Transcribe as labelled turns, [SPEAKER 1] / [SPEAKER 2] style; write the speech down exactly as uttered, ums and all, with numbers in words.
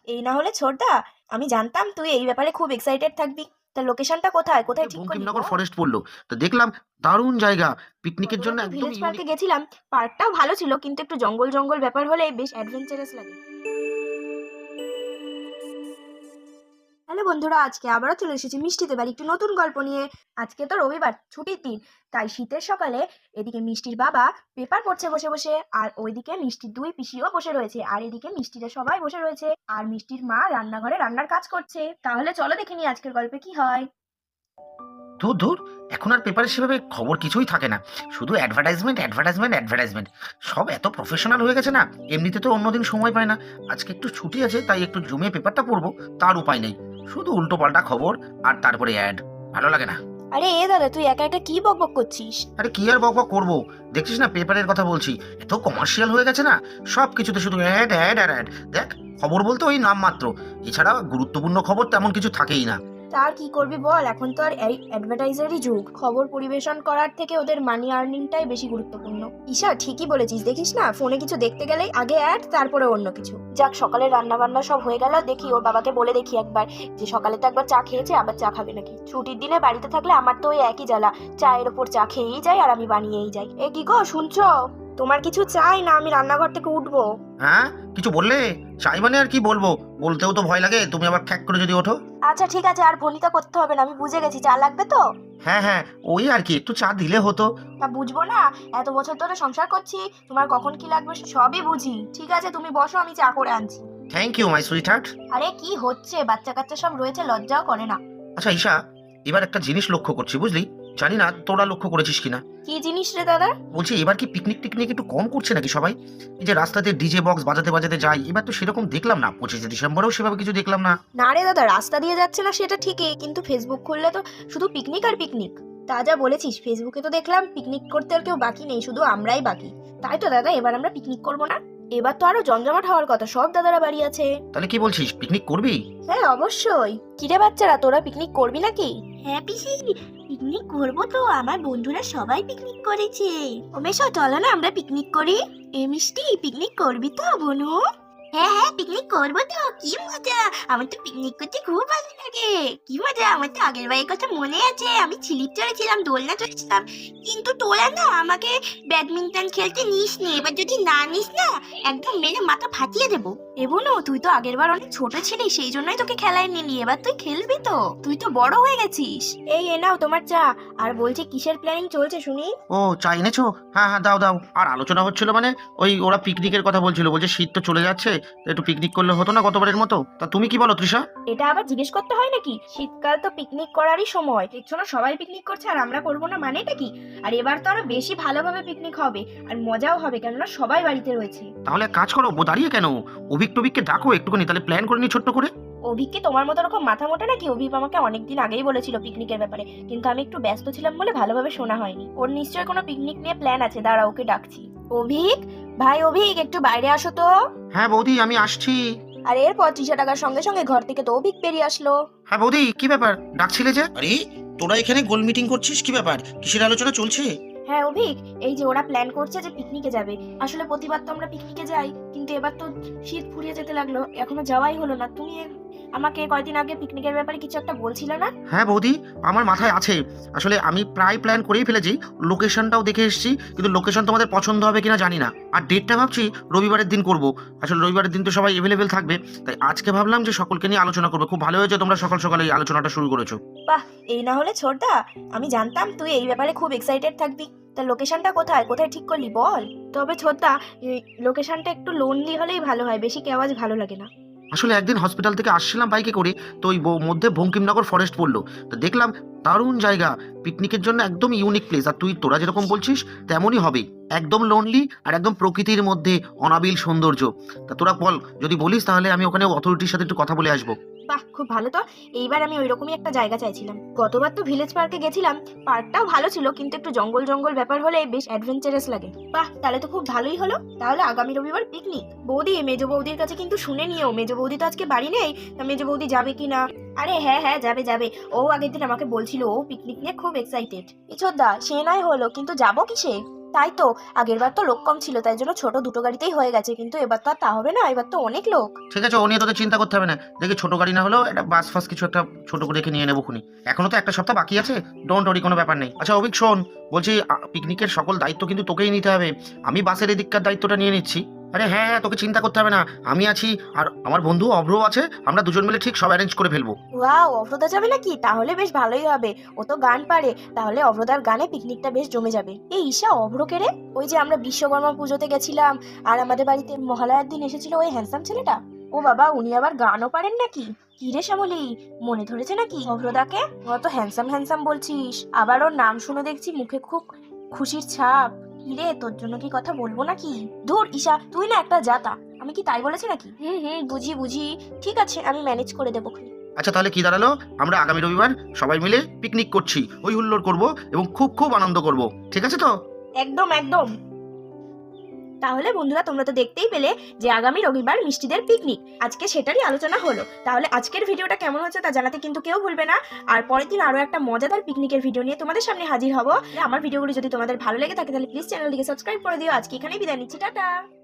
[SPEAKER 1] এই না হলে ছোটদা, আমি জানতাম তুই এই ব্যাপারে খুব এক্সাইটেড থাকবি। তা লোকেশনটা কোথায় কোথায় ঠিক করলি
[SPEAKER 2] বঙ্কিমনগর
[SPEAKER 1] বল?
[SPEAKER 2] ফরেস্ট পড়লো। তো দেখলাম দারুণ জায়গা, পিকনিকের জন্য
[SPEAKER 1] গতবার তো
[SPEAKER 2] একদম
[SPEAKER 1] ভিলেজ
[SPEAKER 2] ইউনিক।
[SPEAKER 1] পার্কে গেছিলাম, পার্কটাও ভালো ছিল কিন্তু একটু জঙ্গল জঙ্গল ব্যাপার হলে বেশ অ্যাডভেঞ্চারাস লাগে। হ্যালো বন্ধুরা, আজকে আবারও চলে এসেছি মিষ্টিতে বাড়ি একটু নতুন গল্প নিয়ে। আজকে তো রবিবার, ছুটির দিন, তাই শীতের সকালে এদিকে মিষ্টির বাবা পেপার পড়ছে বসে বসে, আর ওইদিকে মিষ্টির দুই পিসিও বসে রয়েছে, আর এদিকে মিষ্টিরা সবাই বসে রয়েছে, আর মিষ্টির মা রান্নাঘরে রান্নার কাজ করছে। তাহলে চলো দেখে নি আজকের গল্পে কি হয়।
[SPEAKER 2] ধুর ধুর, এখন আর পেপারে সেভাবে খবর কিছুই থাকে না, শুধু অ্যাডভার্টাইজমেন্ট অ্যাডভার্টাইজমেন্ট অ্যাডভার্টাইজমেন্ট। সব এত প্রফেশনাল হয়ে গেছে না, এমনিতে তো অন্যদিন সময় পায় না। আজকে একটু ছুটি আছে তাই একটু জমিয়ে পেপারটা পড়বো, তার উপায় নেই। শুধু উল্টো পাল্টা খবর আর তারপরে অ্যাড, ভালো লাগে না।
[SPEAKER 1] আরে এ দাদা, তুই একা একা কি বকবক করছিস?
[SPEAKER 2] আরে কি আর বকবক করবো, দেখছিস না পেপারের কথা বলছি, এত কমার্শিয়াল হয়ে গেছে না, সব কিছুতে শুধু অ্যাড অ্যাড আর অ্যাড। দেখ, খবর বলতে ওই নাম মাত্র, এছাড়া গুরুত্বপূর্ণ খবর তেমন কিছু থাকেই না।
[SPEAKER 1] তার কি করবি বল, এখন তো আর এই অ্যাডভার্টাইজারই যুগ। খবর পরিবেশন করার থেকে ওদের মানি আর্নিংটাই বেশি গুরুত্বপূর্ণ। ঈশা ঠিকই বলেছিস, দেখিস না ফোনে কিছু দেখতে গেলেই আগে অ্যাড, তারপরে অন্য কিছু। যাক, সকালে রান্না বান্না সব হয়ে গেল, দেখি ওর বাবাকে বলে দেখি একবার যে সকালে তো একবার চা খেয়েছে, আবার চা খাবে নাকি। ছুটির দিনে বাড়িতে থাকলে আমার তো ওই একই জ্বালা, চায়ের ওপর চা খেয়েই যাই আর আমি বানিয়েই যাই। এ কি গো, শুনছো? তোমার কিছু চাই না আমি রান্নাঘর থেকে উঠবো?
[SPEAKER 2] হ্যাঁ, কিছু বললে? চাই মানে আর কি বলবো, বলতেও তো ভয় লাগে, তুমি আবার খ্যাক করে যদি ওঠো।
[SPEAKER 1] আচ্ছা ঠিক আছে, আর ভনিতা করতে হবে না, আমি বুঝে গেছি। চা লাগবে তো?
[SPEAKER 2] হ্যাঁ হ্যাঁ, ওই আর কি, একটু চা দিলে হতো।
[SPEAKER 1] তা বুঝবো না? এত বছর ধরে সংসার করছি, তোমার কখন কি লাগবে সবই বুঝি। ঠিক আছে তুমি বসো, আমি চা করে আনছি।
[SPEAKER 2] Thank you my sweetheart.
[SPEAKER 1] আরে কি হচ্ছে, বাচ্চা কাচ্চা সব রয়েছে, লজ্জাও করে না।
[SPEAKER 2] আচ্ছা ঈশা, এবার একটা জিনিস লক্ষ্য করছি বুঝলি, জানি না তোরা লক্ষ্য করেছিস কিনা।
[SPEAKER 1] কি জিনিস রে দাদা?
[SPEAKER 2] বলছি এবার কি পিকনিক টিকনিক একটু কম করছে নাকি সবাই? এই যে রাস্তাতে ডিজে বক্স বাজাতে বাজাতে যায়, এবার তো সেরকম দেখলাম না, পঁচিশে ডিসেম্বরেও সেভাবে কিছু দেখলাম না।
[SPEAKER 1] না রে দাদা, রাস্তা দিয়ে যাচ্ছে না সেটা ঠিকই, কিন্তু ফেসবুক খুললে তো শুধু পিকনিক আর পিকনিক। তা যা বলেছিস, ফেসবুকে তো দেখলাম পিকনিক করতে আর কেউ বাকি নেই, শুধু আমরাই বাকি। তাই তো দাদা, এবার আমরা পিকনিক করবো না? এবার তো আরো জমজমাট হওয়ার কথা, সব দাদারা বাড়ি আছে।
[SPEAKER 2] তাহলে কি বলছিস, পিকনিক করবি?
[SPEAKER 1] হ্যাঁ অবশ্যই। কিরে বাচ্চারা, তোরা পিকনিক করবি নাকি? হ্যাঁ পিসি, পিকনিক করবো তো, আমার বন্ধুরা সবাই পিকনিক করেছে। ও মেশো, চলো না আমরা পিকনিক করি। এ মিষ্টি, পিকনিক করবি তো বনু? হ্যাঁ হ্যাঁ, পিকনিক করবো তো, কি মজা। আমার তো পিকনিক করতে খুব ভালো লাগে। কি মজা, আমার তো আগের বারের কথা মনে আছে, আমি স্লিপ চড়েছিলাম, দোলনা চড়েছিলাম। কিন্তু তোরা না আমাকে ব্যাডমিন্টন খেলতে নিস নি, এবার যদি না নিস না একদম মেরে মাথা ফাটিয়ে দেবো। এবনো, তুই তো আগের বার অনেক ছোট ছিলি, সেই জন্যই তোকে খেলায় নিলি, এবার তুই খেলবি তো, তুই তো বড় হয়ে গেছিস। এই এ নাও তোমার চা। আর বলছি কিসের প্ল্যানিং চলছে শুনি?
[SPEAKER 2] ও, চা এনেছো? হ্যাঁ হ্যাঁ, দাও দাও। আর আলোচনা হচ্ছিল মানে ওই ওরা পিকনিকের কথা বলছিল, বলছে শীত তো চলে যাচ্ছে, তো একটু পিকনিক করলে হতো না গতবারের মতো। তা তুমি কি বলো তৃষা?
[SPEAKER 1] এটা আবার জিজ্ঞেস করতে হয় নাকি? শীতকাল তো পিকনিক করারই সময়, দেখছো না সবাই পিকনিক করছে আর আমরা করবো না, মানেটা কি? আর এবার তো আরো বেশি ভালোভাবে পিকনিক হবে, আর মজাও হবে, কেননা সবাই বাড়িতে রয়েছে।
[SPEAKER 2] তাহলে এক কাজ করো, ও দাঁড়িয়ে কেন, অভিক টভিককে ডাকো একটুখানি, তাহলে প্ল্যান করে নি ছোট্ট করে।
[SPEAKER 1] অভিককে তোমার মতো রকম মাথা মোটা নাকি? অভিক আমাকে অনেকদিন আগেই বলেছিল পিকনিকের ব্যাপারে, কিন্তু আমি একটু ব্যস্ত ছিলাম বলে ভালোভাবে শোনা হয়নি। ওর নিশ্চয়ই কোনো পিকনিক নিয়ে প্ল্যান আছে, দাঁড়া ওকে ডাকছি। অভিক ভাই, অভিক একটু বাইরে আসো তো।
[SPEAKER 2] হ্যাঁ বৌদি, আমি আসছি।
[SPEAKER 1] আর এরপর ত্রিশা টাকার সঙ্গে সঙ্গে ঘর থেকে তো অভিক বেরিয়ে আসলো।
[SPEAKER 2] হ্যাঁ বৌদি, কি ব্যাপার, ডাকছিলে যে? আরে তোরা এখানে গোল মিটিং করছিস, কি ব্যাপার, কিসের আলোচনা চলছে?
[SPEAKER 1] হ্যাঁ অভিক, এই যে ওরা প্ল্যান করছে যে পিকনিকে যাবে। আসলে প্রতিবার তো আমরা পিকনিকে যাই, কিন্তু এবার তো শীত ফুরিয়ে যেতে লাগলো, এখনো যাওয়াই হলো না। তুমি আমাকে কয়দিন আগে পিকনিকের ব্যাপারে কিছু একটা বলছিলে না?
[SPEAKER 2] হ্যাঁ বৌদি, আমার মাথায় আছে, আসলে আমি প্রায় প্ল্যান করেই ফেলেছি, লোকেশনটাও দেখে এসেছি, কিন্তু লোকেশন তোমাদের পছন্দ হবে কিনা জানি না। আর ডেটটা ভাবছি রবিবারের দিন করব, আসলে রবিবারের দিন তো সবাই অ্যাভেলেবেল থাকবে, তাই আজকে ভাবলাম যে সকলকে নিয়ে আলোচনা করবো। খুব ভালো হয়েছে তোমরা সকাল সকাল এই আলোচনাটা শুরু করেছো।
[SPEAKER 1] বাহ, এই না হলে ছোটদা, আমি জানতাম তুই এই ব্যাপারে খুব এক্সাইটেড থাকবি। তা লোকেশনটা কোথায় কোথায় ঠিক করলি বল? তবে ছোটদা, লোকেশনটা একটু লোনলি হলেই ভালো হয়, বেশি কেওয়াজ ভালো লাগে না।
[SPEAKER 2] আসলে একদিন হসপিটাল থেকে আসছিলাম বাইকে করে, তো ওই ব- মধ্যে বঙ্কিমনগর ফরেস্ট পড়লো, তো দেখলাম দারুণ জায়গা, পিকনিকের জন্য একদম ইউনিক প্লেস, আর তুই তোরা যেরকম বলছিস তেমনই হবে, একদম লোনলি আর একদম প্রকৃতির মধ্যে অনাবিল সৌন্দর্য। তা তোরা বল, যদি বলিস তাহলে আমি ওখানে অথরিটির সাথে একটু কথা বলে আসবো।
[SPEAKER 1] বাহ, খুব ভালো তো। এইবার আমি ওইরকমই একটা জায়গা চাইছিলাম। গতবার তো ভিলেজ পার্কে গেছিলাম, পার্কটাও ভালো ছিল কিন্তু একটু জঙ্গল জঙ্গল ব্যাপার হলে বেশ অ্যাডভেঞ্চারাস লাগে। বাহ, তাহলে তো খুব ভালোই হলো। তাহলে আগামী রবিবার পিকনিক। বৌদি, মেজো বৌদির কাছে কিন্তু শুনে নিও, মেজো বৌদি তো আজকে বাড়ি নেই, তা মেজো বৌদি যাবে কি না? আরে হ্যাঁ হ্যাঁ, যাবে যাবে। ও আগের দিন আমাকে বলছিল ও পিকনিক নিয়ে খুব এক্সাইটেড। ইছোদা, সে নয় হলো, কিন্তু যাবো কিসে? তাই তো, আগের বার তো লোক কম ছিল তাই জন্য ছোট দুটো গাড়িতেই হয়ে গেছে, কিন্তু এবার তো আর তা হবে না, এবার তো অনেক লোক।
[SPEAKER 2] ঠিক আছে, ও নিয়ে তোদের চিন্তা করতে হবে না। দেখি ছোট গাড়ি না হলেও একটা বাস ফাস কিছু একটা ছোট করে দেখে নিয়ে নেবো খুনি। এখনো তো একটা সপ্তাহ বাকি আছে, ডোন্ট ওরি, কোনো ব্যাপার নেই। আচ্ছা অভিক শোন, বলছি পিকনিকের সকল দায়িত্ব কিন্তু তোকেই নিতে হবে। আমি বাসের এদিককার দায়িত্বটা নিয়ে নিচ্ছি। আরে হ্যাঁ হ্যাঁ, তোকে চিন্তা করতে হবে না, আমি আছি, আর আমার বন্ধু অভ্র আছে, আমরা দুজন মিলে ঠিক সব অ্যারেঞ্জ করে ফেলবো।
[SPEAKER 1] ওয়াও, অভ্রদা যাবে নাকি? তাহলে বেশ ভালোই হবে, ও তো গান পারে, তাহলে অভ্রদার গানে পিকনিকটা বেশ জমে যাবে। এই ঈশা, অভ্রকে রে? ওই যে আমরা বিশ্বকর্মা পুজোতে গেছিলাম আর আমাদের বাড়িতে মহালয়ার দিন এসেছিল ওই হ্যান্ডসাম ছেলেটা। ও বাবা, উনি আবার গানও পারেন নাকি? কি রে শ্যামলী, মনে ধরেছে নাকি অভ্রদাকে? অত হ্যান্ডসাম হ্যান্ডসাম বলছিস, আবার ওর নাম শুনে দেখছি মুখে খুব খুশির ছাপ। কিরে, তোর জন্য কি কথা বলবো নাকি? ধুর ঈশা, তুই না একটা জাতা, আমি কি তাই বলেছি নাকি? হুম হুম, বুঝি বুঝি, ঠিক আছে, আমি ম্যানেজ করে দেবো।
[SPEAKER 2] আচ্ছা তাহলে কি দাঁড়ালো, আমরা আগামী রবিবার সবাই মিলে পিকনিক করছি, ওই হুল্লোড় করব এবং খুব খুব আনন্দ করব, ঠিক আছে তো?
[SPEAKER 1] একদম একদম। তাহলে বন্ধুরা, তোমরা তো দেখতেই পেলে যে আগামী রবিবার মিষ্টিদের পিকনিক, আজকে সেটারই আলোচনা হলো। তাহলে আজকের ভিডিওটা কেমন হচ্ছে তা জানাতে কিন্তু কেউ ভুলবে না। আর পরের দিন আরো একটা মজাদার পিকনিকের ভিডিও নিয়ে তোমাদের সামনে হাজির হব। আমার ভিডিওগুলো যদি তোমাদের ভালো লেগে থাকে তাহলে প্লিজ চ্যানেলটিকে সাবস্ক্রাইব করে দিও। আজকে এখানেই বিদায় নিচ্ছি, টাটা।